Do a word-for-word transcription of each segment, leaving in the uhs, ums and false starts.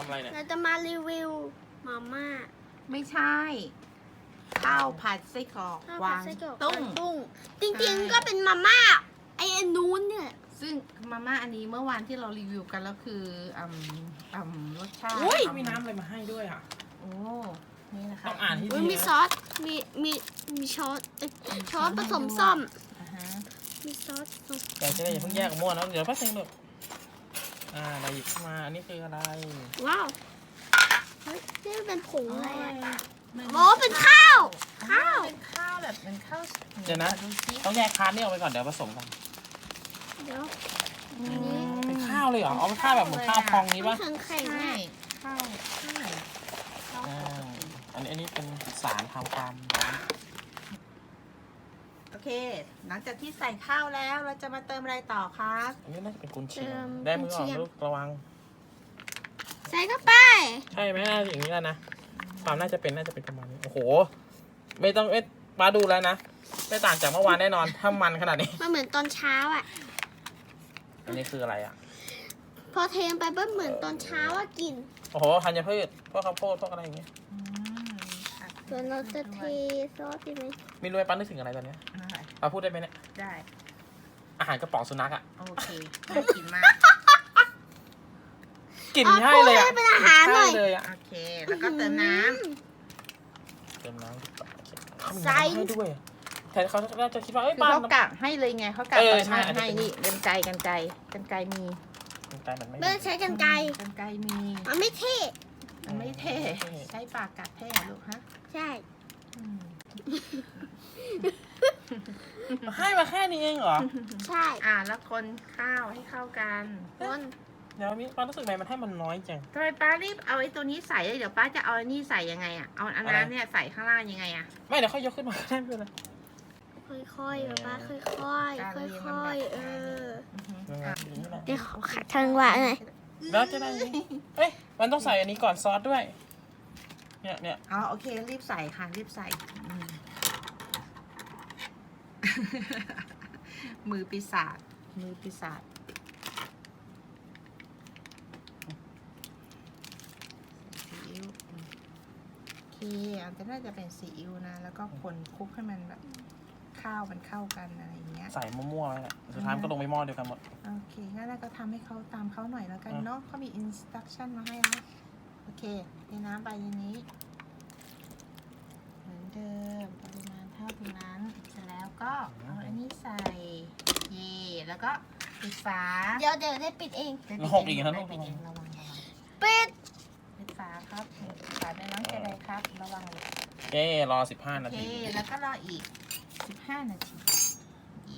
ำอะไรเนี่ยเราจะมารีวิวมาม่าไม่ใช่ข้าวผัดไส้กรอกข้าววาผัดงไส้กรอกตุ้งตุ้งจริงๆก็เป็นมาม่าไอ้อันนู้นเนี่ยซึ่งมาม่าอันนี้เมื่อวานที่เรารีวิวกันแล้วคืออืมอืมรสชาติอุ้ยมีน้ำอะไรมาให้ด้วยอ่ะโอ้นี่นะคะต้องอ่านที่อุ๊ยดีมีนะซอสมีมีมีช้อนเอ้ยช้อนผสมส้มอ่าฮะมีซอสผสมเดี๋ยวจะได้อย่าเพิ่งแยกกับมั่วนะเดี๋ยวแป๊บนึงลูกอ่าเราหยิบขึ้นมาอันนี้คืออะไรว้าวเฮ้ยนี่เป็นผงอะไรอ่ะมันอ๋อเป็นข้าวข้าวเป็นข้าวแบบเป็นข้าวเดี๋ยวนะดูสิต้องแยกพาร์ทนี่ออกไปก่อนเดี๋ยวผสมกันเดี๋ยวอืมเป็นข้าวเลยเหรอเอาเป็นข้าวแบบเหมือนข้าวพองนี้มัปะนแข็งแข็งใช่เนี่ยข้าวข้าวอ่าอันนี้อันนี้เป็นสารทำความร้อนโอเค หลังจากที่ใส่ข้าวแล้วเราจะมาเติมอะไรต่อคะอันนี้น่าจะเป็นกุนเชียงได้มือออกลูกระวังใส่เข้าไปใช่ไหมน่าจะอย่างนี้แล้วนะความน่าจะเป็นน่าจะเป็นประมาณนี้โอ้โหไม่ต้องเอ๊ะมาดูแล้วนะไม่ต่างจากเมื่อวานแน่นอนถ้ามันขนาดนี้มันเหมือนตอนเช้าอ่ะอันนี้คืออะไรอ่ะพอเทไปเบิ้ลเหมือนตอนเช้าอ่ะกินโอ้โหธัญพืชพวกข้าวโพดพวกอะไรอย่างเงี้ยอืมค่ะส่วนเราจะเทซอสดีไหมไม่รู้ไอ้ปั้นนึกถึงอะไรตอนเนี้ยได้ปาพูดได้ไหมเนี่ยได้อาหารกระป๋องสุนัขอ่ะโอเคน่ากินมากกลิ่นใช่เลยอ่ะพูดให้เป็นอาหารหน่อยใช่เลยอ่ะโอเค แล้วก็เติมน้เติมน้ำดีกว่าเขามีใส่น้ำให้ด้วยแต่เขาน่าจะคิดว่าำเอ้ยคือปั้นเขากะให้เลยไงเขากะเออเปิดใช่มาอาจจะให้เป็นนี่กันไกรกันไกรกันไกรมีแต่มันไม่เบิ้ลใช้กันไกรกันไกรมีมันไม่เท่มันไม่เท่ใช้ปากกัดเท่เหรอลูกฮะใช่อืมให้มาแค่นี้เองเหรอใช่อ่าแล้วคนข้าวให้เข้ากันคนเดี๋ยวมีป้ารู้สึกไงมันให้มันน้อยจังทำไมป้ารีบเอาไอ้ตัวนี้ใส่เลยเดี๋ยวป้าจะเอาไอ้นี่ใส่ยังไงอ่ะเอาอันนั้นเนี่ยใส่ข้างล่างยังไงอ่ะไม่เดี๋ยวค่อยยกขึ้นมาก็ได้ไม่เป็นไรค่อยๆป๊าป๊าค่อยๆ ค่อยๆ เอออือฮึยังไงอ่ะอย่างนี้แหละเดี๋ยวขอขัดทางหวะหน่อยแล้วจะได้ไหมเอ้ยมันต้องใส่อันนี้ก่อนซอสด้วยเนี่ยเนี่ยอ๋อโอเครีบใส่ค่ะรีบใส่อืม มือปีศาจมือปีศาจซีอิ๊วอืมโอเคอันจะน่าจะเป็นซีอิ๊วนะ แล้วก็คนคลุกให้มันแบบข้าวมันเข้ากันอะไรอย่างเงี้ยใส่มั่วๆไว้แหละสุดท้ายมันก็ลงไปหม้อเดียวกันหมดโอเคงั้นเราก็ทำให้เขาตามเขาหน่อยแล้วกันอ่ะเนาะเขามีอินสต u ั t ชั่นมาให้นะโอเคเทน้ำไปในนี้ เหมือนเดิมปริมาณเท่านั้นเสร็จแล้วก็เอาอันนี้ใส่เยแล้วก็ปิดฝาเดี๋ยวเดี๋ยวได้ปิดเองได้ปิดหกอีกนะได้ลูกปิดเองระวังระวังปิดปิดฝาครับปิดฝาในน้องเจไดครับ ระวังเลยเอ๊รอสิบห้าโอนาเคทีแล้วก็รออีกสิบห้านาทีเย่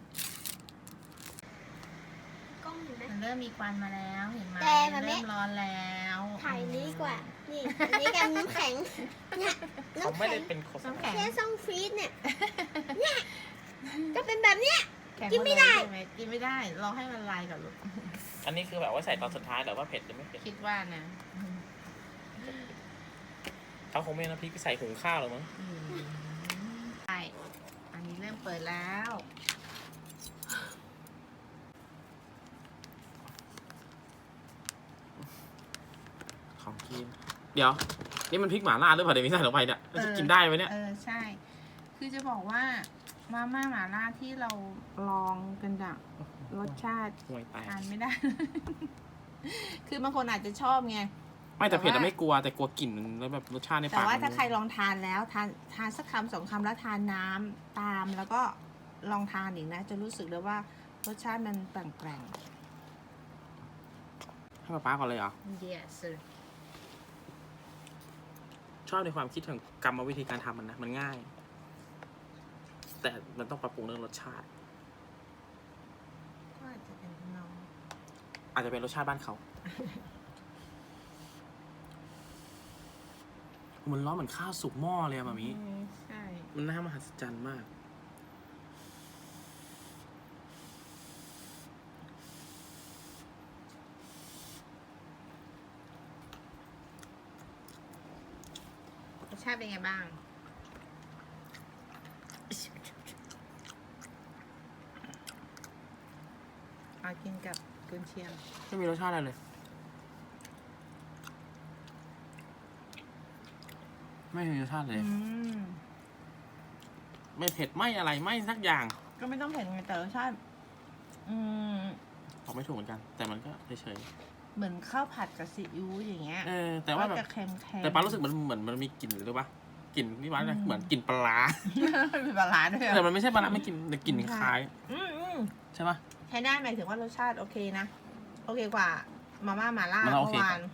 กล้องอยู่ไหมมันเริ่มมีควันมาแล้วเห็นไหมแต่มันไม่เริ่มร้อนแล้วถ่ายนี้กว่า นี่อันนี้กันน้ำแข็ง เนี่ยเขาน้ำไม่แข็ได้งเป็นโฆษน้ำณาแข็งแค่ซ่องฟรีซเนี่ย เนี่ย ก็เป็นแบบเนี้ยแข็งกินไม่ได้หดเลยใช่หกินไม่ได้รอให้มันลายก่อนลูกอันนี้คือแบบว่าใส่ตอนสุดท้ายแต่ว่าเผ็ดหรือไม่เผ็ดคิดว่านะเขาคงไม่เอาน้ำพริกไปใส่หุงข้าวหรอกมั้งอืมใช่อันนี้เริ่มเปิดแล้วของกินเดี๋ยวนี่มันพริกหม่าล่าหรือเปล่าเดี๋ยวมีใส่ลงไปเนี่ยมันจะกินได้ไหมเนี่ยเออใช่ คือจะบอกว่ามาม่าหม่าล่าที่เราลองกันอะรสชาติห่วยแตกทานไม่ได้ คือบางคนอาจจะชอบไงไม่แต่เผ็ดแต่อะว่าไม่กลัวแต่กลัวกลิ่นแล้วแบบรสชาติในแต่ปากว่ามันถ้าใครลองทานแล้วทานทานสักคำสองคำแล้วทานน้ำตามแล้วก็ลองทานอีกนะ จะรู้สึกเลยว่ารสชาติมันแปลงให้ป๊าป๊าก่อนเลยเหรอๆ yes sir ชอบในความคิดของกรรมวิธีการทำมันนะมันง่าย แต่มันต้องปรับปรุงเรื่องรสชาติก็อาจจะเป็นน้องอาจจะเป็นรสชาติบ้านเขา มันร้อนเหมือนข้าวสุกหม้อเลยอะมามิอืมใช่มันน่ามหัศจรรย์มากรสชาติเป็นไงบ้าง เอากินกับกุนเชียงไม่มีรสชาติอะไรเลยไม่มีรสชาติเลยอืมไม่เผ็ดไม่อะไรไม่สักอย่างก็ไม่ต้องเผ็ดไงแต่รสชาติ อืมบอกไม่ถูกเหมือนกัน แต่มันก็เฉยเหมือนข้าวผัดกับซีอิ๊วอย่างเงี้ยๆเออแต่ว่าแบบก็จะเค็มๆแต่ปลารู้สึกมันเหมือนมันมีกลิ่นหรือปะกลิ่นนี่วะนะอืมเหมือนกลิ่นปลาร้ามีปลาร้าด้วยเหรอแต่มันไม่ใช่ปลาร้าไม่กลิ่นแต่กลิ่นคล้ายอืมอืมใช่ปะใช้ได้หมายถึงว่ารสชาติโอเคนะ โอเคกว่า มาม่าหมาล่ามาล่าโอเมื่เคอวาน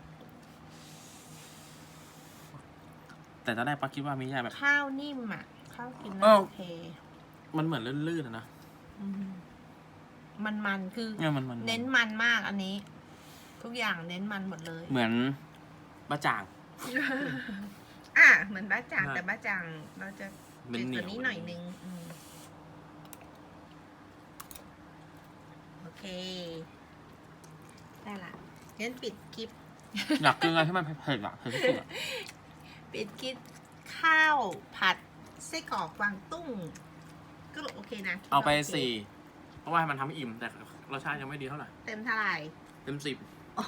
แต่ตอนแรกปลาคิดว่ามีแค่แบบข้าวนิ่มอ่ะ ข้าวกินเอ้าแล้วโอเคมันเหมือนลื่นๆอะนะอืมมันมันๆคือเนี่ยมันมันเน้นมันมากอันนี้ ทุกอย่างเน้นมันหมดเลยเหมือนบะจ่างอ่ะเหมือนบ้าจ่างใช่แต่บ้าจ่างเราจะมันจืดเหนีกยวว่านี้หน่อยนึงอืมโอเค ได้ละงั้นปิดคลิปอยากกินอะไรที่มันเผ็ดๆอะเผ็ดที่สุดอะปิดคลิปข้าวผัดไส้กรอกกวางตุ้ง ก็โอเคนะเอาไปโคสี่เพราะว่ามันทำให้อิ่มแต่รสชาติยังไม่ดีเท่าไหร่เต็มเท่าไหร่เต็มสิบ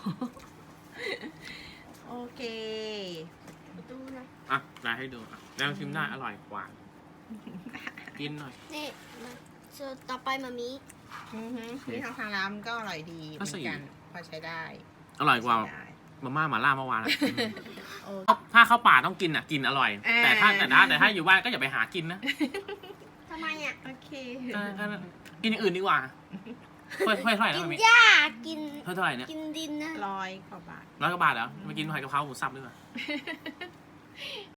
โอเคดูนะอ่ะได้ให้ดูอ่ะแล้วชิมได้อร่อยกว่า กินหน่อยนี่มาส่วนต่อไปมามีอือฮึนี่ทางทางร้านก็อร่อยดีเหก็มือสี่นกัน พอใช้ได้อร่อยกว่าใช้ได้มาม่าหมาล่าเมื่อวานอะโอเคถ้าเข้าป่าต้องกินอ่ะกินอร่อยอ่าแต่ถ้าแต่ถ้าแต่ถ้าอยู่บ้านก็อย่าไปหากินนะทำไมอ่ะโอเคเออก็กินอย่างอื่นดีกว่าถ้วยถ้วยเท่าไหร่นะกินมันมีหญ้ากินถ้วยเท่าไหร่เนี่ยกินดินนะร้อยกว่าบาทร้อยกว่าบาทเหรอไปกินผัดกะเพราหมูสับดีกว่า